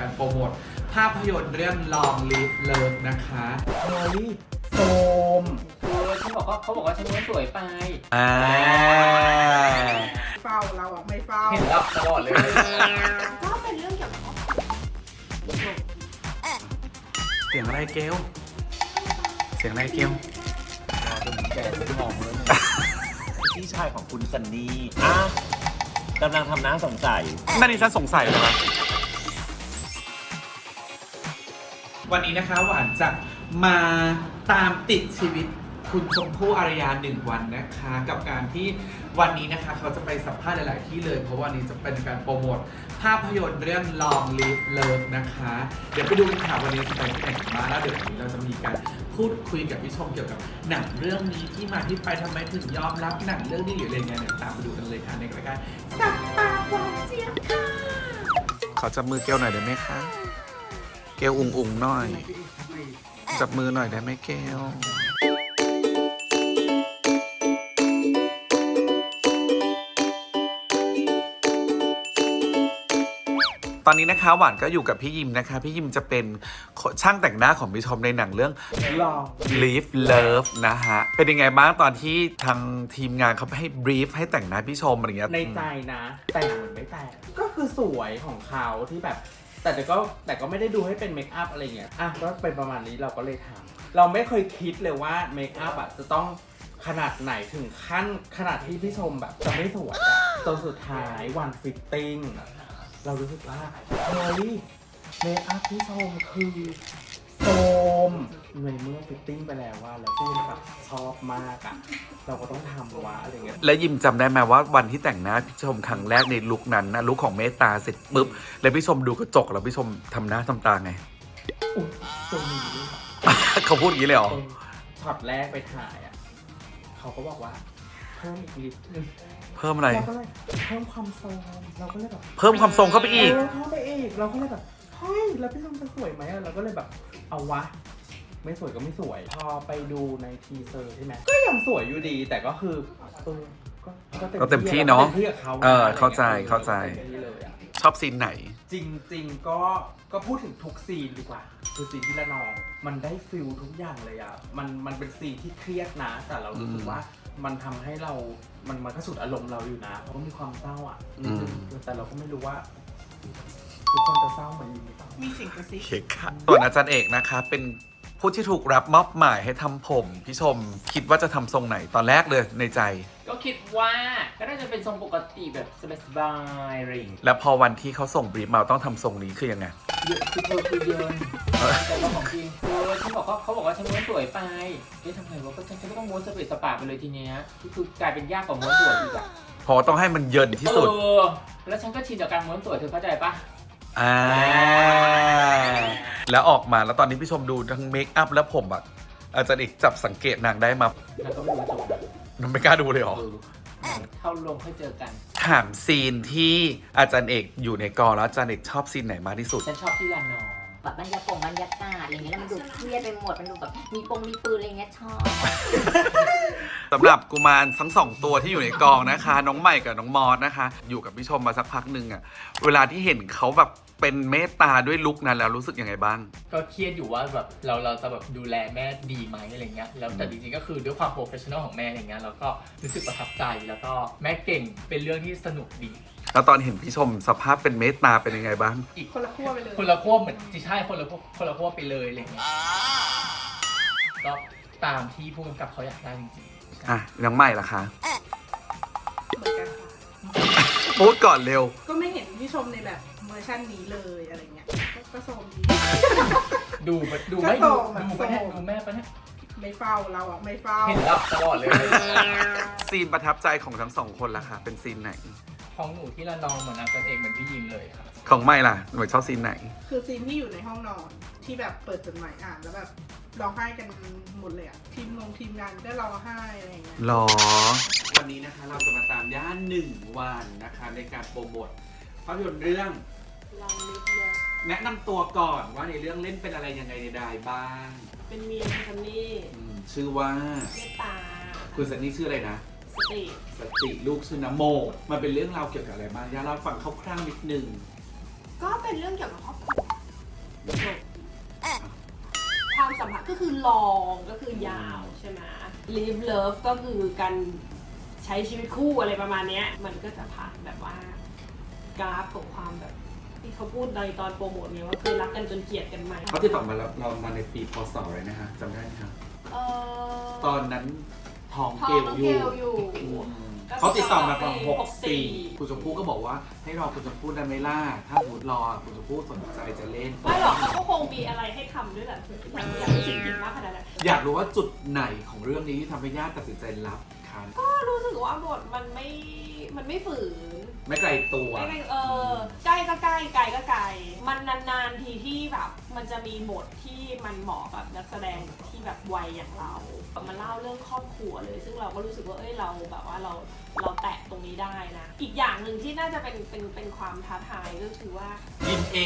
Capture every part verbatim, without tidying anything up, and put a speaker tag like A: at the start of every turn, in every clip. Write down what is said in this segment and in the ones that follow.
A: การโปรโมทภาพยนตร์เรื่อง Long Live Love นะคะเฮ้ยโซม
B: คือฉันบอกว่าเขาบอกว่าฉันม้วนสวยไป
A: อ่า
C: เฝ้าเราอ่ะไม่เฝ้า
B: เห็นรับตลอดเลย
C: ก็เป็นเรื่องเกี่ยวกับ
A: เสียงอะไรเกลเสียงอะไรเกล
B: แกมองเลย
D: พี่ชายของคุณซันนี่อ่ะกำลังทำหน้าสงสัย
A: นั่นนี่ฉันสงสัยเลยครับวันนี้นะคะหวานจะมาตามติดชีวิตคุณชมพู่อารยาหนึ่งวันนะคะกับการที่วันนี้นะคะเขาจะไปสัมภาษณ์หลายๆที่เลยเพราะวันนี้จะเป็นการโปรโมทภาพยนตร์เรื่อง Long Live Love นะคะเดี๋ยวไปดูกันค่ะวันนี้จะไปที่ไหนกันบ้างแล้วเดี๋ยววันนี้เราจะมีการพูดคุยกับพี่ชมเกี่ยวกับหนังเรื่องนี้ที่มาที่ไปทำไมถึงยอมรับหนังเรื่องนี้หรืออะไรเงี้ยเดี๋ยวตามไปดูกันเลยค่ะในรายการสับปากหวานเจี๊ยบค่ะขอจับมือเกลหน่อยได้ไหมคะเกลอุ่งอุ่งหน่อยจับมือหน่อยได้ไหมเกลตอนนี้นะคะหวานก็อยู่กับพี่ยิมนะคะพี่ยิมจะเป็นช่างแต่งหน้าของพี่ชมในหนังเรื่อง Long Live Love นะฮะเป็นยังไงบ้างตอนที่ทางทีมงานเขาให้บรีฟให้แต่งหน้าพี่ชมอะไรเงี้ย
E: ในใจนะแต่งเหมือนไม่แต่งก็คือสวยของเขาที่แบบแต่แต่ก็แต่ก็ไม่ได้ดูให้เป็นเมคอัพอะไรเงี้ยอ่ะก็เป็นประมาณนี้เราก็เลยทำเราไม่เคยคิดเลยว่าเมคอัพอ่ะจะต้องขนาดไหนถึงขั้นขนาดที่พี่ชมแบบจะไม่สวยจนสุดท้ายวันฟิตติ้งเรารู้สึกว่าเฮ้ยเมคอัพพี่ชมคือโซมในเมื่อฟิตติ้งไปแล้วว่าแล้วพี่แบบชอบมากอ่ะเราก็ต้องทำวะอะไรเงี้ย
A: และยิมจำได้ไหมว่าวันที่แต่งหน้าพี่ชมครั้งแรกในลุคนั้นนะลุคของเมตตาเสร็จปุ๊บแล้วพี่ชมดูกระจกแล้วพี่ชมทำหน้าทำตาไง
E: อุ้ยโซมนี้ด้วย
A: เขาพูดอย่างนี้เลยเหรอ
E: ช็อตแรกไปถ่ายอ่ะเขาก็บอกว่าเพิ่มอีกนิดนึง
A: เพิ่มอะไร
E: เราก็เลยเพิ่มความทรงเราก็เลยแบบ
A: เพิ่มความทรงเข้าไปอีก
E: เออเข้าไปอีกเราก็เลยแบบเฮ้ยแล้วพี่ชมจะสวยไหมเราก็เลยแบบเอาวะไม่สวยก็ไม่สวยพอไปดูในทีเซอร์ใช่ไหมก็ยังสวยอยู่ดีแต่ก็คือเออ
A: ก็เต็มที่เนาะเออเข้าใจเข้าใจชอบซีนไหน
E: จริงๆก็ก็พูดถึงทุกซีนดีกว่าคือซีนที่ละนองมันได้ฟิลทุกอย่างเลยอ่ะมันมันเป็นซีนที่เครียดนะแต่เรารู้สึกว่ามันทำให้เรา มันมันก็สุดอารมณ์เราอยู่นะเพราะมีความเศร้าอ่ะแต่เราก็ไม่รู้ว่าทุกคนจะเศร้าเหมือนมี
C: มีสิ่งกระซิบ
A: ส่วนอาจารย์เอกนะคะเป็นผู้ที่ถูกรับมอบหมายให้ทำผมพี่ชมคิดว่าจะทำทรงไหนตอนแรกเลยในใจ
B: ก็คิดว่าก็น่าจะเป็นทรงปกติแบบสบายๆอะไรอย่างเงี้ย
A: แล้วพอวันที่เขาส่งบรีฟมาต้องทำทรงนี้คือยังไง
B: เยอะคือเธอคือเยินแต่ว่าของจริงเออฉันบอกว่าเขาบอกว่าฉันม้วนสวยไปเฮ้ยทำไงวะก็ฉันก็ต้องม้วนสเปซสปาไปเลยทีเนี้ยคือกลายเป็นยากกว่าม้วนสวยอีกอะ
A: พอต้องให้มันเยินที่สุด
B: เออแล้วฉันก็ชินกับการม้วนสวยเธอเข้าใจปะ
A: อ่าแล้วออกมาแล้วตอนนี้พี่ชมดูทั้งเมคอัพและผมอะอาจารย์เอกจับสังเกตนางได้มา
B: แล้วก็ไม่รู้จบ
A: นางไม่กล้าดูเลยหรอ
B: เข้าลงค่อยเจอกัน
A: ถามซีนที่อาจารย์เอกอยู่ในกองแล้วอาจารย์เอกชอบซีนไหนมากที่สุด
B: ฉันชอบที่ลานอง
F: แบบบรรยากาศบรรยากาศอะไรเงี้ยแล้วมันดูเครียดไปหมดมันดูแบบมีปงมีปืนอะไรเงี้ยชอบ
A: สำหรับกุมารทั้งสองตัวที่อยู่ในกองนะคะน้องใหม่กับน้องมอสนะคะอยู่กับพี่ชมมาสักพักหนึ่งอะเวลาที่เห็นเขาแบบเป็นเมตตาด้วยลุคนั้นแล้วรู้สึกยังไงบ้าง
B: ก็เครียดอยู่ว่าแบบเราเราจะแบบดูแลแม่ดีไหมอะไรเงี้ยแล้วแต่จริงๆก็คือด้วยความโปรเฟชชั่นอลของแม่อะไรเงี้ยแล้วก็รู้สึกประทับใจแล้วก็แม่เก่งเป็นเรื่องที่สนุกดี
A: แล้วตอนเห็นพี่ชมสภาพเป็นเมตตาเป็นยังไงบ้าง
B: อีกคนละขั้วไปเลยคนละขั้วเหมือนที่ใช่คนละขั้วคนละขั้วไปเลยอะไรเงี้ยก็ตามที่ผู้กำกับเขาอยากได้จริง
A: ๆอ่ะน้องใหม่ล่ะคะ
C: เหมือนกันค่ะ
A: พูดก่อนเร็ว
C: ก็ไม่เห็นพี่ชมในแบบเวอร์ชันนี้เลยอะไรเงี้ยก็โซมดี
B: ดูดูไม่ดูดูปะเนี่ยดูแม่ปะเนี่ย
C: ไม่เฝ้าเราอ่ะไม่เฝ้า
B: เห็นรับตลอดเลย
A: ซีนประทับใจของทั้งสองคนล่ะคะเป็นซีนไหน
B: ของหนูที่ละนองเหมือนอาจารย์เอกเหมือนพี่ยิมเลยครับ
A: ของไม่ล่ะหนูชอบซีนไหน
C: คือซีนที่อยู่ในห้องนอนที่แบบเปิดจดหมายอ่านแล้วแบบร้องไห้กันหมดเลยอ่ะทีมงงทีมงานก็ร้องไห้อะไรอย่างเงี้ย
A: หรอวันนี้นะคะเราจะมาตามย่านหนึ่งวันนะคะในการโปรโมทภาพยนตร์เรื่อง
C: Long Live Love
A: แนะนำตัวก่อนว่าในเรื่องเล่นเป็นอะไรยังไงใดๆบ้าง
C: เป็นเมียคุณซันนี่
A: ชื่อว่า
C: เมตตา
A: คุณซันนี่ชื่ออะไรนะ
C: สติ
A: สติลูกชื่อน้ำโมมันเป็นเรื่องราวเกี่ยวกับอะไรบ้างย่าเล่าฟังคร่าวๆนิดนึง
C: ก็เป็นเรื่องเกี่ยวกับครอบครัว
G: ก็คือลองก็คือยาวใช่ไหม live love ก็คือการใช้ชีวิตคู่อะไรประมาณเนี้ยมันก็จะผ่านแบบว่ากราฟของความแบบที่เขาพูดในตอนโปรโมทเนี่ยว่าเคยรักกันจนเกลียดกันไหม
A: เขาติดต่อมาแล้วเรามาในปีพศอะไรนะฮะจำได้ไหมครับ
G: เออ
A: ตอนนั้นท้อง
G: ท้อง
A: เกล
G: น้อง
A: อ
G: เก
A: ยู่
G: ลอยู่
A: อืม
G: ก็
A: เขาติดต่อมาตอน
G: ปี
A: หก
G: หกสี่
A: สี่คุณชมพู่ก็บอกว่าให้รอคุณชมพู่ได้ไหมล่ะถ้าสมมติรอคุณชมพู่สนใจจะเล่น
G: ไม่หรอกเขาก็คงมีอะไรให้ทำด้วยแหละอยากอยากให้สิ่งดีมากขนาดนั้น
A: อยากรู้ว่าจุดไหนของเรื่องนี้ที่ทำให้ญาติตัดสินใจรับคัน
G: ก็รู้สึกว่าบทมันไม่มันไม่ฝืน
A: ไม่ไกลตัว
G: ไม่ไม่เออใกล้ก็ใกล้ไกลก็ไกลมันนานๆทีที่แบบมันจะมีบทที่มันเหมาะกับนักแสดงที่แบบวัยอย่างเรามันเล่าเรื่องครอบครัวเลย ซึ่งเราก็รู้สึกว่าเอ้ยเราแบบว่าเราเราแตะตรงนี้ได้นะอีกอย่างหนึ่งที่น่าจะเป็นเป็นเป็นความท้าทายก็คือว่า
A: ยินเอ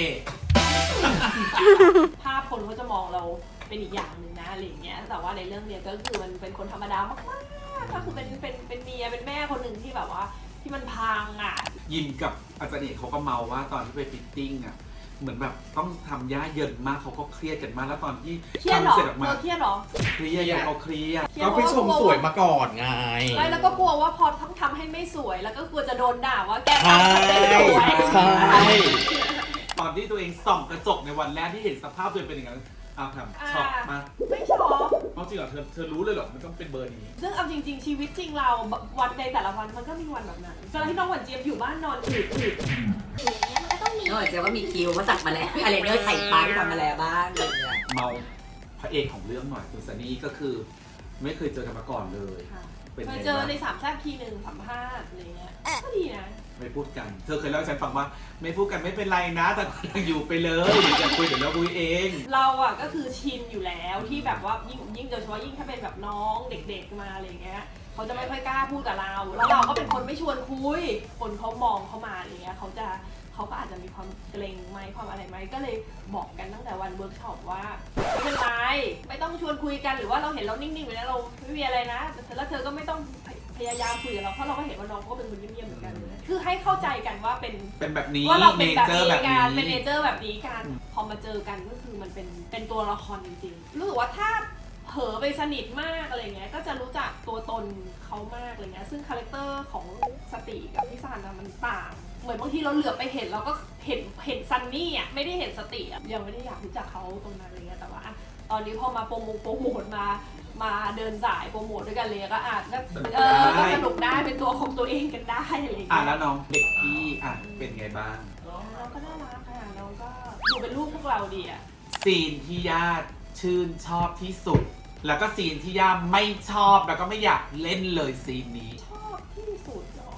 G: ภาพคนเขาจะมองเราเป็นอีกอย่างหนึ่งนะอะไรอย่างเงี้ยแต่ว่าในเรื่องเนี้ยก็คือมันเป็นคนธรรมดามากๆก็คือเป็นเป็นเป็นเมียเป็นแม่คนหนึ่งที่แบบว่าที่มันพังอ่ะ
A: ยินกับอาจารย์เอกเขาก็เมาว่าตอนที่ไปฟิตติ้งอ่ะเหมือนแบบต้องทำย่าเยินมากเขาก็เครียดกันมากแล้วตอนที่
G: เครียดเหรอ
A: ทำเสร็จออก
G: เธ
A: มา
G: อเครียดเหรอ
A: เครียดไงเขาเครียด
G: เครียด
E: ก็ไปชมสวยมาก่อนไง
G: ไม่แล้วก็กลัวว่าพอต้องทำให้ไม่สวยแล้วก็กลัวจะโดนด่าว่าแกทำฉันไม่สวย
E: ใช่
A: ตอนที่ตัวเองส่องกระจกในวันแรกที่เห็นสภาพตัวเองเป็นอย่างนั้นอ้าวทำช็อกมา
G: ไม่ชอบ
A: เพราะจริงเหรอเธอเธอรู้เลยเหรอมันต้องเป็นเบอร์นี้
G: ซึ่งเอาจริง ๆ ชีวิตจริงเราวันในแต่ละวันมันก็มีวันแบบนั้นเวลาที่น้องหวานเจี๊ยบอยู่บ้านนอนอืดอืดอย่างเงี้ยมันก็ต้องมี
F: นอกจากว่ามีคิวว่าสักมาแล้วอะไรเนื้อไข่ปลาที่ทำมาแล้วบ้างอะไรอย่างเงี้ย
A: เมาพระเอกของเรื่องหน่อยคุณซันนี่ก็คือ ไม่เคยเจอกันมาก่อนเลย
G: ค่ะ
A: เป็น
G: เค
A: ไง
G: ยเจอ
A: บ้าง
G: ในสามแซ่บทีหนึ่งสัมภาษณ์อะไรเงี้ยก็ดีนะ
A: ไม่พูดกัน เธอเคยเล่าให้ฉันฟังว่า ไม่พูดกันไม่เป็นไรนะ แต่ยังอยู่ไปเลยเดี๋ยวจะคุยเดี๋ยวเราคุยเอง
G: เราอ่ะก็คือชินอยู่แล้วที่แบบว่ายิ่งยิ่งโดยเฉพาะยิ่งถ้าเป็นแบบน้องเด็กๆมาอะไรเงี้ยเขาจะไม่ค่อยกล้าพูดกับเราแล้วเราก็เป็นคนไม่ชวนคุย คนเขามองเข้ามาอะไรเงี้ยเขาจะเขาก็อาจจะมีความเกรงไหมความอะไรไหมก็เลยบอกกันตั้งแต่วันเวิร์กช็อปว่าไม่เป็นไรไม่ต้องชวนคุยกันหรือว่าเราเห็นเรานิ่งๆอยู่แล้วเราไม่มีอะไรนะแล้วเธอก็ไม่ต้องพยายามคุยกับเราเพราะเราก็เห็นว่าน้องก็เป็นคนเงียบๆเหมือนกันเลยคือให้เข้าใจกันว่าเป็น
A: เป็นแบบนี้
G: ว่าเราเป็น
A: เน
G: แบบ
A: เจอร์
G: นี้
A: แบบ
G: กัน
A: นี้
G: เป็นเนเจอร์แบบนี้กัน
A: อืม
G: พอมาเจอกันก็คือมันเป็นเป็นตัวละครจริงๆรู้สึกว่าถ้าเผลอไปสนิทมากอะไรเงี้ยก็จะรู้จักตัวตนเขามากอะไรเงี้ยซึ่งคาแรคเตอร์ของสติกับพี่ซันอะมันต่าง เหมือนบางทีเราเหลือบไปเห็นเราก็เห็นเห็นซันนี่อ่ะไม่ได้เห็นสติอ่ะยังไม่ได้อยากรู้จักเขาตรงนั้นอะไรเงี้ยแต่ว่าอะตอนนี้พอมาโปรโมทโปรโมทมามาเดินสายโปรโมทด้วยกันเลยก็อาจจะเออก็สนุกได้เป็นตัวของตัวเองกันได้อะไรเงี้ย
A: อ่ะแล้วน้องเด็กพี่อ่ะเป็นไงบ้าง
G: น้องก็น่ารักค่ะน้องก็ดูเป็นลูกพวกเราดีอ่ะ
A: ซีนที่ญาติชื่นชอบที่สุด แล้วก็ซีนที่ย่าไม่ชอบแล้วก็ไม่อยากเล่นเลยซีนนี้
G: ชอบที่สุดเหรอ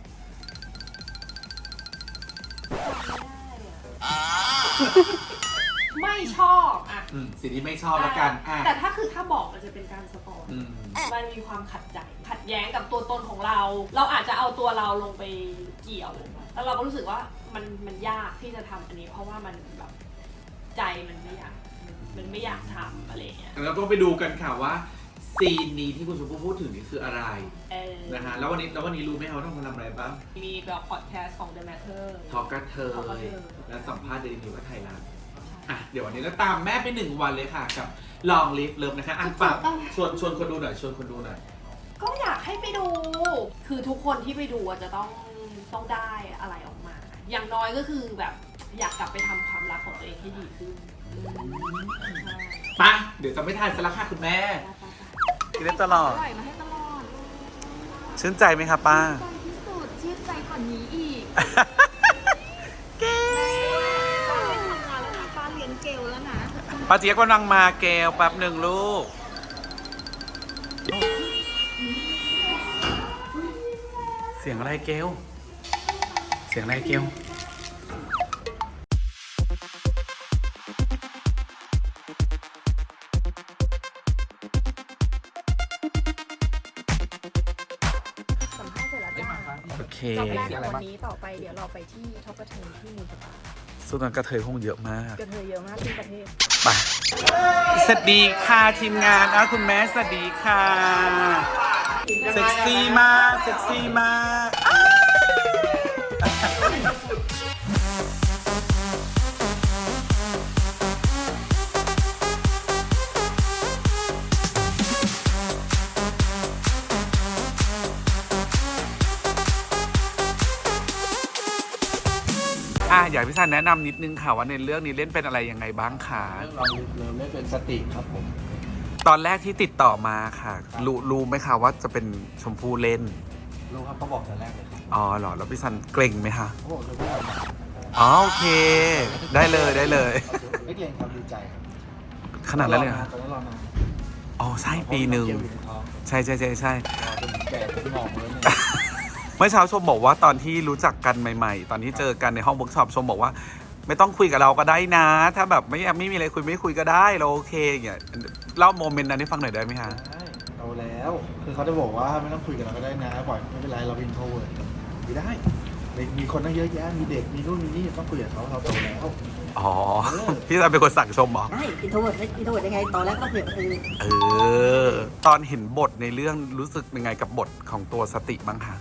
G: จำไม่ได้อะไม่ชอบอ่ะ
A: อืมซีนที่ไม่ชอบแล้วกันอ่ะ
G: แต่ถ้าคือถ้าบอกมันจะเป็นการสปอย
A: อืม
G: มันมีความขัดใจ ขัดแย้งกับตัวตนของเรา เราอาจจะเอาตัวเราลงไปเกี่ยว แล้วเราก็รู้สึกว่ามันมันยากที่จะทำอันนี้ เพราะว่ามันแบบใจมันไม่อยากมันไม่อยากทำอะไรอย่างเงี้ย
A: แล้วก็ไปดูกันค่ะว่าซีนนี้ที่คุณชมพู่พูดถึงนี่คืออะไร
G: เออ
A: นะฮะแล้ววันนี้แล้ววันนี้รู้ไหมคะว่าต้องมาทำอะไรบ้าง
G: มีแบบพอดแคสต์ของ The Matter
A: ทอกกัเธอ
G: Talk กับเธอ
A: และสัมภาษณ์เดลินิวกับไทยรัฐอ่ะเดี๋ยววันนี้เราตามแม่ไปหนึ่งวันเลยค่ะกับลองลิฟเลิฟนะคะอ่ะฝากชวนชวนคนดูหน่อยชวนคนดูหน่อย
G: ก็อยากให้ไปดู คือทุกคนที่ไปดูอะจะต้องต้องได้อะไรออกมา อย่างน้อยก็คือแบบอยากกลับไปทำความรักของตัวเองให้ดีขึ้น
A: ไปะเดี๋ยวจะไม่ทานสลักค่ะคุณแม่ กินได้ตลอด
H: อร่อยมาให้ตลอด
A: ชื่นใจไหมคะป้า
H: ใจที่สุดชื่นใจกว่านี้อีก
A: เกล
H: ป้าไม่ทำงานแล้วนะป้าเลี้ยงเกลแล้วนะ
A: ป้าเจี๊ยบกำลังมาเกลแป๊บหนึ่งลูก เสียงอะไรเกลเสียงอะไรเกล
H: สัมภาษณ์เสร็จแล้วจ้า
A: โอเค
H: จบแรกของวันนี้ต่อไปเดี๋ยวเราไปที่ท็อปกระเทยที่มีสปา
A: สุดนั้นกระเทยคงเยอะมาก
H: กระเทยเยอะมากที่ประเทศ
A: ไปสวัสดีค่ะทีมงานอ่ะคุณแม่สวัสดีค่ะ เซ็กซี่มาก เซ็กซี่มากอ้าวให้พี่ซันแนะนำนิดนึงค่ะว่าในเรื่องนี้เล่นเป็นอะไรยังไงบ้างคะ
E: เรื่องเราเราเล่นเป็นสติครับผม
A: ตอนแรกที่ติดต่อมาค่ะ รู้รู้ไหมคะว่าจะเป็นชมพู่เล่น
E: รู้ครับเขาบอกแต่แรกเลยครับ
A: อ๋อเหรอแล้วพี่ซันเกรงไหมคะ
E: เขาบอกเลยว่าแบบ
A: อ๋อโอเค ได้เลยได้เลย
E: ไม่เกรงครับดีใจครับ
A: ขนาดนั้นเลยเหรอ
E: ตอนนั้นรอนาน
A: อ๋อใช่ปีหนึ่ง
E: เกี่ยวอยู่ในท้อง
A: ใช่ใช่ใช่ใช่
E: รอจนแก่จนงอกเลยเนี่ย
A: เมื่อเช้าชมบอกว่าตอนที่รู้จักกันใหม่ๆ ตอนที่เจอกันในห้องเวิร์กช็อปชมบอกว่า ไม่ต้องคุยกับเราก็ได้นะ ถ้าแบบไม่ไม่มีอะไรคุยไม่คุยก็ได้เราโอเคอย่างเงี้ยเล่าโมเมนต์นั้นให้ฟังหน่อยได้ไหมคะ
E: ใช่โตแล้ว คือเขาจะบอกว่าไม่ต้องคุยกับเราก็ได้นะบ่อยไม่เป็นไรเราเป็นโทรเวิร์ดไม่ได้ มีคนตั้งเยอะแยะ มีเด็ก มีนู่นมีนี่ต้องคุยกับเขาเราโตแล้ว
A: อ๋อ พี่ซันเป็นคนสั่งชมเหรอ
F: ได้อินโทรเวิร์ดอินโทรเวิร์ดยังไงตอนแรกก็คุยกับคือ
A: เออ ตอนเห็นบทในเรื่องรู้สึกยังไงกับบทของตัวสติบ้างคะ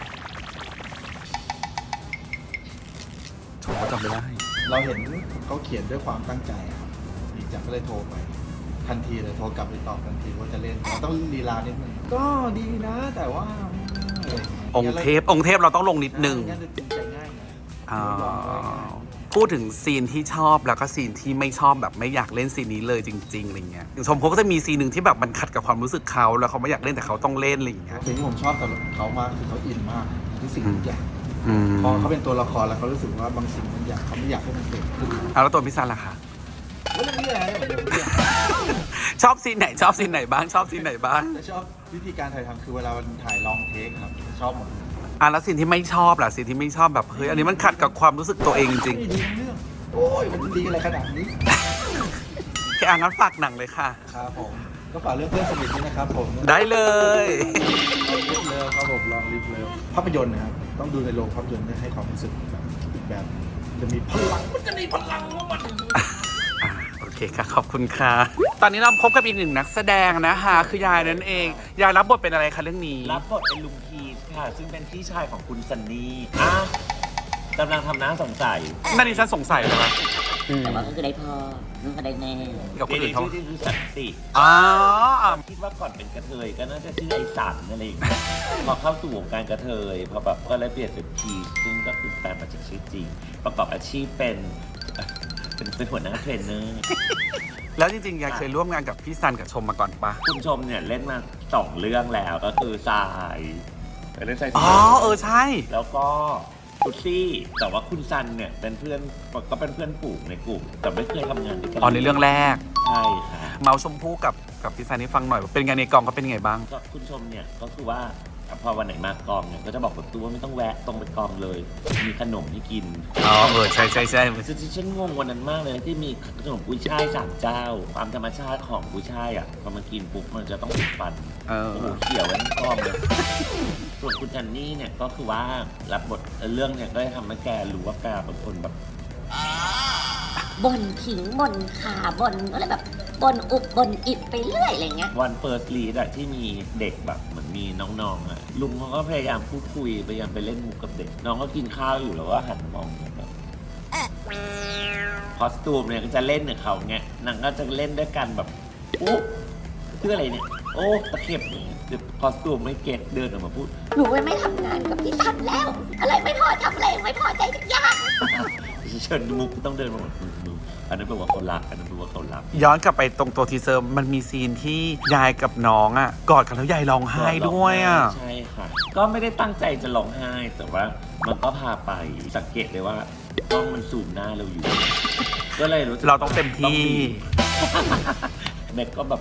A: ชมก็จำไม่ได้
E: เราเห็นเขาเขียนด้วยความตั้งใจอะครับดีจังก็เลยโทรไป ทันทีเลยโทรกลับไปตอบทันทีว่าจะเล่นต้องลีลานิดนึงก็ดีนะ แต่ว่าอะไรย่าเย
A: องค์เทพ องค์เทพเราต้องลงนิดนึง
E: งั้นจะจริงใจง่ายนะ
A: อ๋อ
E: ยอมง่าย
A: พูดถึงซีนที่ชอบแล้วก็ซีนที่ไม่ชอบแบบไม่อยากเล่นซีนนี้เลยจริงๆอะไรเงี้ยอย่างชมเขาก็จะมีซีนหนึ่งที่แบบมันขัดกับความรู้สึกเขาแล้วเขาไม่อยากเล่นแต่เขาต้องเล่นอะไรอย่างเงี้ย
E: สิ่งที่ผมชอบสำหรับเขามากคือเขาอินมากทุกสิ่งทุกอย่าง
A: อืม
E: พอเขาเป็นตัวละครแล้วเขารู้สึกว่าบางสิ่งบางอย่างเขาไม่อยากให้มันเกิดขึ้น
A: เอาแล้วตัวพี่ซันล่ะคะ
E: แล้วเรื่องนี้แหละเหมือนเดิม
A: ชอบซีนไหนชอบซีนไหนบ้างชอบซีนไหนบ้าง
E: แต่ชอบวิธีการถ่ายทำคือเวลามันถ่ายลองเทคครับชอบหมดเลย
A: อ่ะแล้วซีนที่ไม่ชอบล่ะซีนที่ไม่ชอบแบบเฮ้ยอันนี้มันขัดกับความรู้สึกตัวเองจริง
E: ไม่ดีทั้งเรื่องโอ้ยมันดีอะไรขนาดนี้
A: ๆแค่อ่านงั้นฝากหนังเลยค่ะ
E: ครับผมก็ฝากเรื่องเพื่อนสนิทด้วยนะครับผม
A: ได้เลย
E: ลองลิฟเลิฟครับผมลองลิฟเลิฟภาพยนตร์นะครับต้องดูในโรงภาพยนตร์ให้ความรู้สึกแบบอีกแบบจะมีพลังมันจะมีพลังว่ามัน
A: อ่ะโอเคค่ะขอบคุณค่ะ ตอนนี้เราพบกับอีกหนึ่งนักแสดงนะคะคือยายนั่นเอง ยายรับบทเป็นอะไรคะเรื่องนี้
D: รับบทเป็นลุงพีทค่ะ ซึ่งเป็นพี่ชายของคุณซันนี่อ่ะกำลังทำน้าสงสัย
A: นั่นนี่ฉันสงสัยเลยนะ
F: แต่ว่าก็คือได้พ่อนุ่งก็ได้แม่
A: กับคนอื่นเขา
D: ชื่อที่คือสันติ
A: อ๋อ
D: คิดว่าก่อนเป็นกระเทยก็น่าจะชื่อไอสันอะไรอย่างเงี้ยพอเข้าสู่วงการกระเทยพอแบบก็เลยเปลี่ยนเป็นพีทซึ่งก็คือแปลมาจากชื่อจริง ประกอบอาชีพเป็นเป็นเป็นหัวหน้าเทรนเนอร์
A: แล้วจริงๆยายเคยร่วมงานกับพี่ซันกับชมมาก่อนปะ
D: คุณชมเนี่ยเล่นมาสองเรื่องแล้วก็คือทรายเล่นทราย
A: อ๋อเออใช่
D: แล้วก็กุซี่ แต่ว่าคุณซันเนี่ยเป็นเพื่อนก็เป็นเพื่อนฝูงในกลุ่ม แต่ไม่เคยทำงานด้วยกัน
A: อ๋อในเรื่องแรก
D: ใช่ค่ะ
A: เมาชมพู่กับกับพี่ซันให้ฟังหน่อยว่าเป็นไงในกองเขาเป็นยังไงบ้าง
D: ก็คุณชมเนี่ยก็คือว่าพอวันไหนมากองเนี่ยก็จะบอกกับตัวว่าไม่ต้องแวะตรงไปกองเลย มีขนมให้กิน
A: อ๋อเออใช่ใช่ใช่
D: คือฉันงงวันนั้นมากเลยที่มีขนมกุ้ยช่ายสามเจ้า ความธรรมชาติของกุ้ยช่ายอ่ะพอมากินปุ๊บมันจะต้องติดฟัน
A: เออ
D: โอ้โหเขียวไว้ทั้งกองเลย ส่วนคุณจันนี่เนี่ยก็คือว่ารับบทเรื่องเนี่ยก็ได้ทำให้แกรู้ว่าแกเป็นคนแบบ
F: บ่นขิงบ่นขาบ่นอะไรแบบบ่นอุบบ่นอิบไปเรื่อยอะไรเงี้ย
D: วันเฟิร์สลีดอะที่มีเด็กแบบเหมือนมีน้องๆอะลุงเขาก็พยายามพูดคุยพยายามไปเล่นมุกกับเด็ก น้องก็กินข้าวอยู่แล้วก็หันมองแบบคอสตูมเนี่ยก็จะเล่นกับเขาเงี้ยนางก็จะเล่นด้วยกันแบบโอ้ชื่ออะไรเนี่ยโอ้ตะเข็บเนี่ยคือคอสตูมไม่เก็ตเดินออกมาพูด
F: หนูไม่ทำงานกับพี่ทันแล้ว อะไรไม่พอทำอะไรไม่พอใจทุกอย่าง
D: เชิญมุกต้องเดินมาบอกมึงมึงอันนั้นแปลว่าเขารักอันนั้นแปลว่าเขารัก
A: ย้อนกลับไปตรงตัวทีเซอร์มันมีซีนที่ยายกับน้องอ่ะกอดกันแล้วยายร้องไห้ด้วยอ่ะ
D: ใช่ค่ะ ก็ไม่ได้ตั้งใจจะร้องไห้ แต่ว่ามันก็พาไปสังเกตเลยว่ากล้องมันซูมหน้าเราอยู่ ก็เลยรู้สึก
A: เราต้องเต็มที่
D: แม็กก็แบบ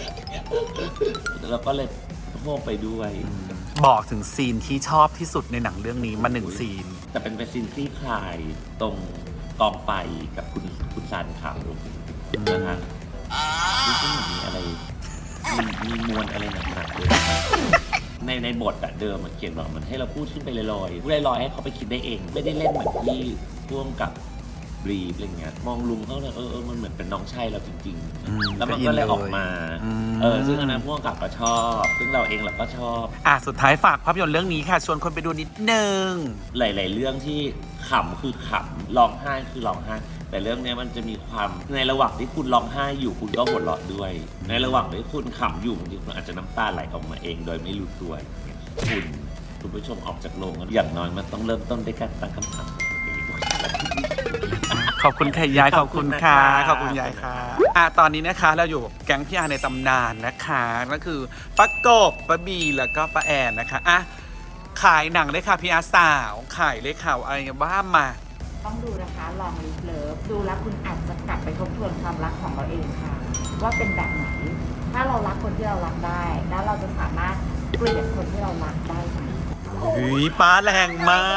D: แล้วก็เลยโม้ไปด้วย
A: บอกถึงซีนที่ชอบที่สุดในหนังเรื่องนี้มาหนึ่งซีน
D: แต่เป็นเป็นซีนคลี่คลายตรงกองไฟกับคุณคุณซานขาวนะฮะรู้สึกเหมือนมีอะไรมีมีมวลอะไรหนักๆเลยในในบทอะเดิมมันเขียนบอกมันให้เราพูดขึ้นไปลอยๆพูดลอยๆให้เขาไปคิดได้เอง ไม่ได้เล่นเหมือนที่ร่วมกับบรีฟอะไรเงี้ยมองลุงเขาเลยเออเออมันเหมือนเป็นน้องชายเราจริง
A: อืม
D: ๆ แล้วมันก็เลยออกมา
A: อืม
D: เออซึ่งอันนั้นพวกกับก็ชอบ ซึ่งเราเองเราก็ชอบ
A: อ่ะสุดท้ายฝากภาพยนตร์เรื่องนี้ค่ะ ชวนคนไปดูนิดนึง
D: หลาย ๆ เรื่องที่ขำคือขำร้องไห้คือร้องไห้ แต่เรื่องเนี้ยมันจะมีความในระหว่างที่คุณร้องไห้อยู่คุณก็หัวเราะด้วย ในระหว่างที่คุณขำอยู่บางทีคุณอาจจะน้ำตาไหลออกมาเองโดยไม่รู้ตัวอย่างเงี้ยคุณคุณผู้ชมออกจากโรงอย่างน้อยมันต้องเริ่มต้นด้วยการตั้งคำถามกับตัวเอง
A: ขอบคุณค่ะยายขอบคุณค่ะ
D: ขอบคุณนะคะ
A: ขอบคุณยายค่ะอ่ะตอนนี้นะคะเราอยู่กับแก๊งพี่อาในตำนานนะคะก็คือป้ากบป้าบีแล้วก็ป้าแอนนะคะอ่ะขายหนังเลยค่ะพี่อาสาวขายเลยค่ะอะไรบ้างมา
I: ต้องดูนะคะลองลิฟเลิฟดูแล้วคุณอาจจะกลับไปทบทวนความรักของเราเองค่ะ ว่าเป็นแบบไหน ถ้าเรารักคนที่เรารักได้ แล้วเราจะสามารถเปลี่ยนคนที่เรารักได้ไหม
A: หุยป้าแรงมาก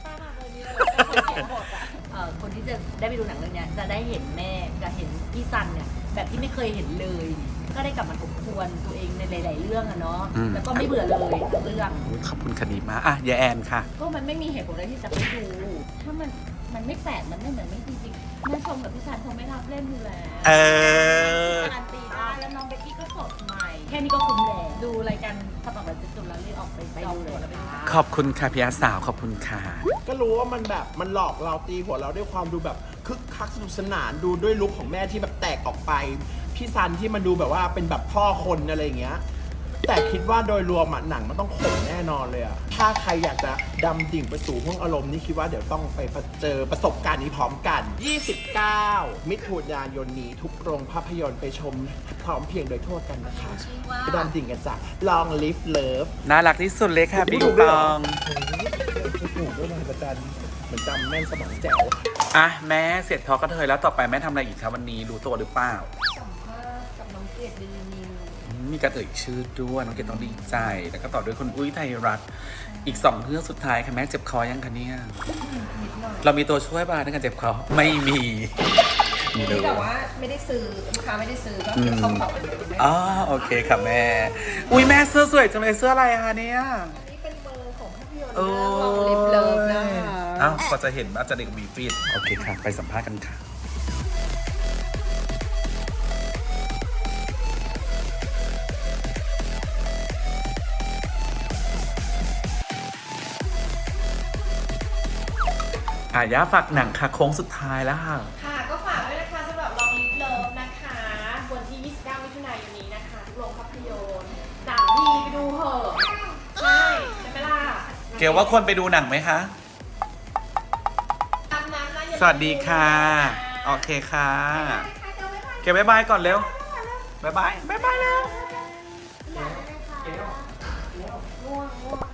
I: เอ่อคนที่จะได้ไปดูหนังเรื่องเนี้ยจะได้เห็นแม่กับเห็นพี่ซันเนี่ยแบบที่ไม่เคยเห็นเลย ก็ได้กลับมาทบทวนตัวเองในหลาย ๆ เรื่องอะเนาะ
A: อืม
I: แล้วก็ไม่เบื่อเลยทั้งเรื่อง
A: ขอบคุณคดีมากอ่ะยายแอนค่ะ
I: ก็มันไม่มีเหตุผลอะไรที่จะไม่ดู ถ้ามันมันไม่แปลกมันไม่เหมือนไม่จริงๆแม่ชมกับพี่ซันคงไม่รับเล่นอยู่แล้ว
A: เออ
I: การันตีได้แล้วน้องเบกกี้ก็สดใหม่ แค่นี้ก็คุ้มแล้วดูรายการสปักแบบจุดๆแล้วรีบออกไปไปดูเลยแล้วไปดู
A: ขอบคุณค่ะพี่อาสาวขอบคุณค่ะ
J: ก็รู้ว่ามันแบบมันหลอกเราตีหัวเราด้วยความดูแบบคึกคักสนุกสนานดูด้วยลุคของแม่ที่แบบแตกออกไป พี่ซันที่มันดูแบบว่าเป็นแบบพ่อคนอะไรอย่างเงี้ยแต่คิดว่าโดยรวมอะหนังมันต้องขมแน่นอนเลยอะถ้าใครอยากจะดำดิ่งไปสู่ห้วงอารมณ์นี่คิดว่าเดี๋ยวต้องไปเจอประสบการณ์นี้พร้อมกัน ยี่สิบเก้า มิถุนายนนี้ทุกโรงภาพยนตร์ไปชมพร้อมเพรียงโดยทั่วกันนะคะไปดำดิ่งกันจาก Long Live Love
A: น่ารักที่สุดเลยค่ะปิงปอง
J: ถูกด้วยนะอาจารย์เหมือนจำแม่นสมองแจ๋ว
A: อ่ะแม่เสร็จทอล์กกระเทยแล้วต่อไปแม่ทำอะไรอีกครับวันนี้รู้ตัวหรือเปล่า
I: สัมภาษณ์กับน้องเกดเดลินิว
A: มีการเอ่ยชื่อด้วยน้องเกดต้องดีใจ แล้วก็ต่อด้วยคุณอุ้ยไทยรัฐอีกสองเรื่องสุดท้ายค่ะแม่เจ็บคอยังคะเนี่ยเรามีตัวช่วยบ้างในการเจ็บคอไม่มีมีเลย
H: แต่ว่าไม่ได้ซื้อลูกค้าไม่ได้ซื้อก็คือเข้าของไปเลยไม่
A: อ๋อโอเคค่ะแม่ อุ้ยแม่เสื้อสวยจังเลยเสื้ออะไรคะเนี่ย
H: อันนี้เป็นเบอร์ของภาพยนตร์
A: โอ้
H: เรื่องลองลิฟเลิฟนะคะ
A: อ้าวก็จะเห็นว่าจะเด็กมีฟีดโอเคค่ะ ไปสัมภาษณ์กันค่ะ อ่ะย่าฝากหนังค่ะโค้งสุดท้ายแล้วค่ะ
G: ค่ะก็ฝากด้วยนะคะสำหรับลองลิฟเลิฟนะคะวันที่ ยี่สิบเก้า มิถุนายนนี้นะคะทุกโรงภาพยนตร์หนังดีไปดูเหอะใช่ใช่ไหมล่ะ
A: เกลว่าควรไปดูหนังไหมคะ
G: ตามนั้นนะอย่าลืม
A: สวัสดีค่ะ โอเคค่ะ เกลบ๊ายบายก่อนเร็วบ๊ายบายบ๊ายบายแล้ว
G: ง่วงง่วง